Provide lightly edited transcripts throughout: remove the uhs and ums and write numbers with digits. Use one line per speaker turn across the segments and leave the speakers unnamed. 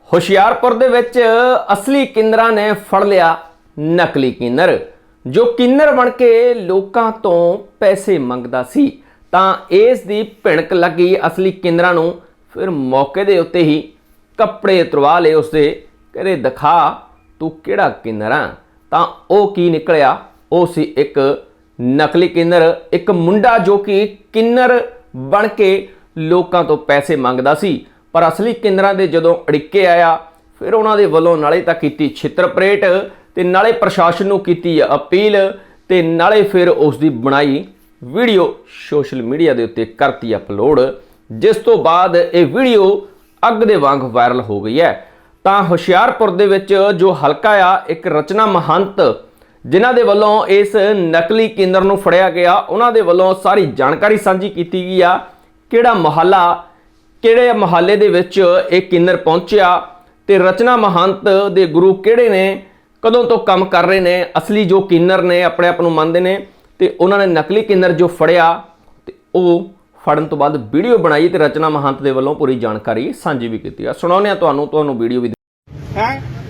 ਹੁਸ਼ਿਆਰਪੁਰ ਦੇ ਵਿੱਚ ਅਸਲੀ ਕਿੰਨਰਾਂ ਨੇ ਫੜ ਲਿਆ ਨਕਲੀ ਕਿੰਨਰ ਜੋ ਕਿੰਨਰ ਬਣ ਕੇ ਲੋਕਾਂ ਤੋਂ ਪੈਸੇ ਮੰਗਦਾ ਸੀ। ਤਾਂ ਇਸ ਦੀ ਭਿਣਕ ਲੱਗੀ ਅਸਲੀ ਕਿੰਨਰਾਂ ਨੂੰ। ਫਿਰ ਮੌਕੇ ਦੇ ਉੱਤੇ ਹੀ ਕੱਪੜੇ ਉਤਰਵਾ ਲਏ ਉਸਦੇ, ਕਹਿੰਦੇ ਦਿਖਾ ਤੂੰ ਕਿਹੜਾ ਕਿੰਨਰ ਆ। ਤਾਂ ਉਹ ਕੀ ਨਿਕਲਿਆ, ਉਹ ਸੀ ਇੱਕ ਨਕਲੀ ਕਿੰਨਰ, ਇੱਕ ਮੁੰਡਾ ਜੋ ਕਿ ਕਿੰਨਰ ਬਣ ਕੇ ਲੋਕਾਂ ਤੋਂ ਪੈਸੇ ਮੰਗਦਾ ਸੀ। ਪਰ ਅਸਲੀ ਕਿੰਨਰਾਂ ਦੇ ਜਦੋਂ ਅੜਿੱਕੇ ਆਇਆ, ਫਿਰ ਉਹਨਾਂ ਦੇ ਵੱਲੋਂ ਨਾਲੇ ਤਾਂ ਕੀਤੀ ਛਿੱਤਰ ਪਰੇਡ ਤੇ ਨਾਲੇ ਪ੍ਰਸ਼ਾਸਨ ਨੂੰ ਕੀਤੀ ਅਪੀਲ ਤੇ ਨਾਲੇ ਫਿਰ ਉਸ ਦੀ ਬਣਾਈ ਵੀਡੀਓ ਸੋਸ਼ਲ ਮੀਡੀਆ ਦੇ ਉੱਤੇ ਕਰਤੀ ਅਪਲੋਡ, ਜਿਸ ਤੋਂ ਬਾਅਦ ਇਹ ਵੀਡੀਓ ਅੱਗ ਦੇ ਵਾਂਗ ਵਾਇਰਲ ਹੋ ਗਈ ਹੈ। ਤਾਂ ਹੁਸ਼ਿਆਰਪੁਰ ਦੇ ਵਿੱਚ ਜੋ ਹਲਕਾ ਆ, ਇੱਕ ਰਚਨਾ ਮਹੰਤ ਜਿਨ੍ਹਾਂ ਦੇ ਵੱਲੋਂ ਇਸ ਨਕਲੀ ਕਿੰਨਰ ਨੂੰ ਫੜਿਆ ਗਿਆ, ਉਹਨਾਂ ਦੇ ਵੱਲੋਂ ਸਾਰੀ ਜਾਣਕਾਰੀ ਸਾਂਝੀ ਕੀਤੀ ਗਈ ਆ। ਕਿਹੜਾ ਮੁਹੱਲਾ, ਕਿਹੜੇ ਮੁਹੱਲੇ ਦੇ ਵਿੱਚ ਇਹ ਕਿੰਨਰ ਪਹੁੰਚਿਆ ਤੇ ਰਚਨਾ ਮਹੰਤ ਦੇ ਗੁਰੂ ਕਿਹੜੇ ਨੇ, ਕਦੋਂ ਤੋਂ ਕੰਮ ਕਰ ਰਹੇ ਨੇ, ਅਸਲੀ ਜੋ ਕਿੰਨਰ ਨੇ ਆਪਣੇ ਆਪ ਨੂੰ ਮੰਨਦੇ ਨੇ ਤੇ ਉਹਨਾਂ ਨੇ ਨਕਲੀ ਕਿੰਨਰ ਜੋ ਫੜਿਆ ਤੇ ਉਹ ਫੜਨ ਤੋਂ ਬਾਅਦ ਵੀਡੀਓ ਬਣਾਈ ਤੇ ਰਚਨਾ ਮਹੰਤ ਦੇ ਵੱਲੋਂ ਪੂਰੀ ਜਾਣਕਾਰੀ ਸਾਂਝੀ ਵੀ ਕੀਤੀ ਆ। ਸੁਣਾਉਂਦੇ ਆ ਤੁਹਾਨੂੰ ਵੀਡੀਓ ਵੀ
ਹੈ।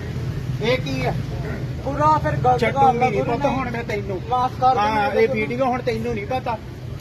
ਇਹ ਕੀ ਹੈ
ਪੂਰਾ ਫਿਰ ਗਲਤ
ਚੱਟੂ ਨਹੀਂ ਪਤਾ ਹੁਣ ਮੈਂ ਤੈਨੂੰ
ਮਾਫ ਕਰ
ਹਾਂ ਇਹ ਵੀਡੀਓ ਹੁਣ ਤੈਨੂੰ ਨਹੀਂ ਪਤਾ।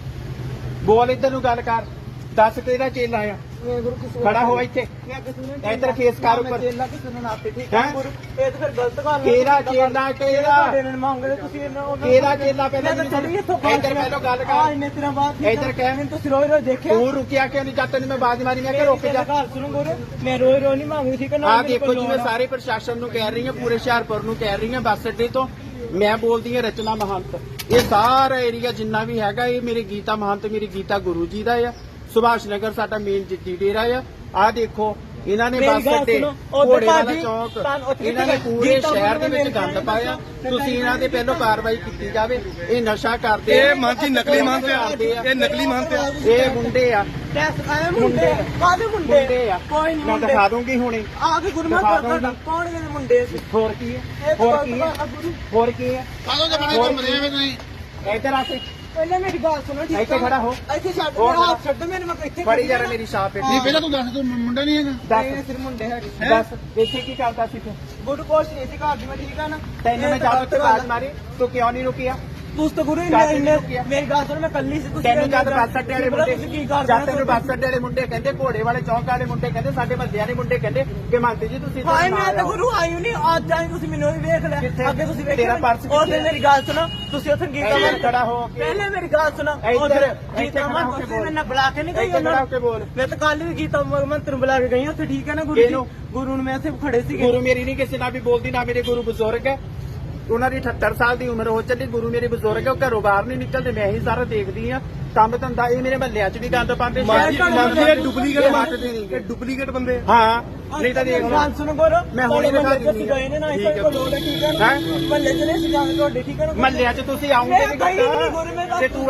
ਬੋਲ ਇੱਧਰ ਨੂੰ ਗੱਲ ਕਰ, ਦੱਸ ਕਿਹੜਾ ਚੇਲਾ ਆ। ਖੜਾ ਹੋ ਇੱਥੇ, ਇੱਧਰ ਫੇਸ ਕਰ ਉੱਪਰ।
ਚੇਲਾ ਕਿਸੇ ਨੂੰ ਨਾ ਠੀਕ ਹੈ ਗੁਰੂ, ਇਹ ਤਾਂ ਫਿਰ ਗਲਤ ਗੱਲ ਹੈ।
ਕਿਹੜਾ ਚੇਲਾ, ਕਿਹੜਾ
ਮੰਗਦੇ ਤੁਸੀਂ
ਕਿਹੜਾ ਚੇਲਾ ਪਹਿਲਾਂ ਇੱਧਰ ਪਹਿਲਾਂ ਗੱਲ ਕਰ।
ਇੰਨੇ ਦਿਨਾਂ ਬਾਅਦ
ਇੱਧਰ ਕਹਿ,
ਤੁਸੀਂ ਰੋਜ਼ ਰੋਜ਼ ਦੇਖਿਆ
ਤੂੰ ਰੁਕਿਆ ਕਿਉਂ ਨਹੀਂ? ਜਦ ਤੈਨੂੰ ਮੈਂ ਬਾਜ਼ ਮਾਰੀ ਮੈਂ ਕਿ ਰੁਕ ਜਾ।
ਘਰ ਸੁਣੋ ਗੁਰੂ, ਮੈਂ ਰੋਜ਼ ਰੋਜ਼ ਨਹੀਂ ਮੰਗਦੀ ਠੀਕ ਹੈ ਨਾ।
ਆ ਦੇਖੋ ਜਿਵੇਂ ਸਾਰੇ ਪ੍ਰਸ਼ਾਸਨ ਨੂੰ ਕਹਿ ਰਹੀ ਹਾਂ, ਪੂਰੇ ਹੁਸ਼ਿਆਰਪੁਰ ਨੂੰ ਕਹਿ ਰਹੀ ਹਾਂ, ਬੱਸ ਅੱਡੇ ਤੋਂ ਮੈਂ ਬੋਲਦੀ ਹਾਂ ਰਚਨਾ ਮਹੰਤ। ਇਹ ਸਾਰਾ ਏਰੀਆ ਜਿੰਨਾ ਵੀ ਹੈਗਾ ਇਹ ਮੇਰੇ ਗੀਤਾ ਮਹੰਤ, ਮੇਰੀ ਗੀਤਾ ਗੁਰੂ ਜੀ ਦਾ ਆ। ਸੁਭਾਸ਼ ਨਗਰ ਸਾਡਾ ਮੇਨ ਜਿੱਤੀ ਡੇਰਾ ਆ ਦੇਖੋ ਇਹਨਾਂ ਨੇ ਬੱਸ ਅੱਡੇ, ਘੋੜੇ ਵਾਲਾ ਚੌਕ, ਇਹਨਾਂ ਨੇ ਪੂਰੇ ਸ਼ਹਿਰ ਦੇ ਵਿੱਚ ਗੰਦ ਪਾਇਆ। ਤੁਸੀਂ ਇਹਨਾਂ ਦੇ ਪਹਿਲਾਂ ਕਾਰਵਾਈ ਕੀਤੀ ਜਾਵੇ। ਇਹ ਨਸ਼ਾ ਕਰਦੇ,
ਇਹ ਮਾਨਸੀ ਨਕਲੀ ਮਾਨਤੇ ਆ, ਇਹ ਨਕਲੀ ਮਾਨਤੇ ਆ,
ਇਹ ਮੁੰਡੇ ਆ,
ਮੁੰਡੇ ਕਾਹਦੇ ਮੁੰਡੇ
ਆ।
ਕੋਈ ਨਹੀਂ
ਮੈਂ ਦਿਖਾ ਦੂੰਗੀ ਹੁਣੇ
ਆ ਕੇ ਗੁਰੂ ਮਹਾਰਾਜ ਕੌਣ ਇਹ ਮੁੰਡੇ?
ਹੋਰ ਕੀ ਹੈ, ਹੋਰ ਕੀ ਹੈ, ਹੋਰ ਕੀ ਹੈ।
ਕਾਹਦੋਂ ਜਮਾਨੇ ਘੁੰਮਦੇ ਆ ਤੁਸੀਂ?
ਇੱਧਰ ਆ ਕੇ
ਪਹਿਲਾਂ ਮੇਰੀ ਗੱਲ ਸੁਣੋ ਠੀਕ ਹੈ।
ਇੱਥੇ ਖੜਾ ਹੋ,
ਇੱਥੇ ਛੱਡ ਮੇਰਾ ਹੱਥ ਛੱਡ ਮੈਨੂੰ, ਮੈਂ ਇੱਥੇ
ਫੜੀ ਜਰਾ ਮੇਰੀ ਛਾਪ
ਨਹੀਂ ਪਹਿਲਾਂ ਤੂੰ ਦੱਸ, ਤੂੰ ਮੁੰਡਾ ਨਹੀਂ ਹੈਗਾ?
ਦੱਸ
ਸਿਰ ਮੁੰਡੇ ਹੈਗੇ।
ਦੱਸ ਇੱਥੇ ਕੀ ਕਰਦਾ ਸੀ ਤੂੰ?
ਗੁਰੂ ਕੋਸ਼ ਨਹੀਂ ਸੀ ਘਰ ਦੀ, ਮੈਂ ਠੀਕ ਆ ਨਾ।
ਤੈਨੂੰ ਮੈਂ ਜਦੋਂ ਤੇ ਬਾਜ਼ ਮਾਰੀ ਤੂੰ ਕਿਉਂ ਨਹੀਂ ਰੁਕਿਆ?
ਤੁਸੀਂ ਤਾਂ ਗੁਰੂ ਮੇਰੀ ਗੱਲ ਸੁਣ, ਮੈਂ ਕੱਲੀ ਸੀ।
ਤੈਨੂੰ ਜਦ ਬੱਸ ਅੱਡੇ ਵਾਲੇ ਮੁੰਡੇ,
ਕੀ ਕਰ
ਜਦ ਤੈਨੂੰ ਬੱਸ ਅੱਡੇ ਵਾਲੇ ਮੁੰਡੇ ਕਹਿੰਦੇ, ਘੋੜੇ ਵਾਲੇ ਚੌਂਕ ਵਾਲੇ ਮੁੰਡੇ ਕਹਿੰਦੇ, ਸਾਡੇ ਮੱਲਿਆਂ ਦੇ ਮੁੰਡੇ ਕਹਿੰਦੇ ਕਿ ਮੰਨਦੇ ਜੀ ਤੁਸੀਂ
ਹਾਏ ਮੈਂ ਤਾਂ ਗੁਰੂ ਆਈ ਨਹੀਂ, ਅੱਜ ਆਈ ਤੁਸੀਂ ਮੈਨੂੰ ਵੀ ਵੇਖ ਲਿਆ। ਅੱਗੇ ਤੁਸੀਂ ਵੇਖਿਆ
ਤੇਰਾ ਪਰਸ
ਉਹ ਤੇ ਮੇਰੀ ਗੱਲ ਸੁਣੋ, ਤੁਸੀਂ ਉੱਥੇ ਗੀਤਾ ਮਾਰ
ਖੜਾ ਹੋ ਕੇ
ਪਹਿਲੇ ਮੇਰੀ ਗੱਲ ਸੁਣੋ,
ਇੱਧਰ
ਗੀਤਾ ਮਾਰ ਤੁਸੀਂ ਮੈਨੂੰ ਬੁਲਾ ਕੇ ਨਹੀਂ ਗਈ
ਖੜਾ
ਉਹਨਾਂ
ਹੋ ਕੇ ਬੋਲ।
ਮੈਂ ਤਾਂ ਕੱਲ ਵੀ ਗੀਤਾ ਮੰਤਰ ਨੂੰ ਬੁਲਾ ਕੇ ਗਈ ਉੱਥੇ ਠੀਕ ਹੈ ਨਾ ਗੁਰੂ ਜੀ। ਗੁਰੂ ਨੂੰ ਮੈਂ ਇੱਥੇ ਖੜੇ ਸੀਗੇ।
ਗੁਰੂ ਮੇਰੀ ਨਹੀਂ ਕਿਸੇ ਨਾਲ ਵੀ ਬੋਲਦੀ, ਨਾ ਮੇਰੇ ਗੁਰੂ ਬਜ਼ੁਰਗ ਹੈ। ਉਹਨਾਂ ਦੀ 78 ਸਾਲ ਦੀ ਉਮਰ ਹੋ ਚੱਲੀ। ਗੁਰੂ ਮੇਰੇ ਬਜ਼ੁਰਗ ਹੈ, ਉਹ ਘਰੋਂ ਬਾਹਰ ਨਹੀਂ ਨਿਕਲਦੇ, ਮੈਂ ਹੀ ਸਾਰਾ ਦੇਖਦੀ ਆ ਕੰਮ ਧੰਦਾ। ਇਹ ਮੇਰੇ ਮਹੱਲਿਆਂ 'ਚ ਵੀ ਗੰਦ ਪਾਉਂਦੇ,
ਡੁਪਲੀਕੇਟ ਮਾਰਦੇ ਨਹੀਂ, ਡੁਪਲੀਕੇਟ ਬੰਦੇ।
ਹਾਂ ਨਹੀਂ ਤਾਂ ਦੇਖ
ਗੱਲ ਸੁਣੋ ਗੁਰੂ,
ਮੈਂ ਹੁਣੇ ਦਿਖਾ ਦਿੰਦੀ
ਗਏ ਨੇ ਨਾ ਇੱਥੇ ਕੋਲ ਲੋੜ ਹੈ ਠੀਕ ਹੈ ਨਾ। ਮਹੱਲੇ ਚ ਨਹੀਂ ਸੀ ਜਾਂਦੇ ਤੁਹਾਡੇ ਠੀਕ ਹੈ ਨਾ।
ਮਹੱਲਿਆਂ 'ਚ ਤੁਸੀਂ ਆਉਂਗੇ
ਮੈਂ ਗਈ ਨਹੀਂ ਗੁਰੂ, ਮੈਂ
ਤੇ ਤੂੰ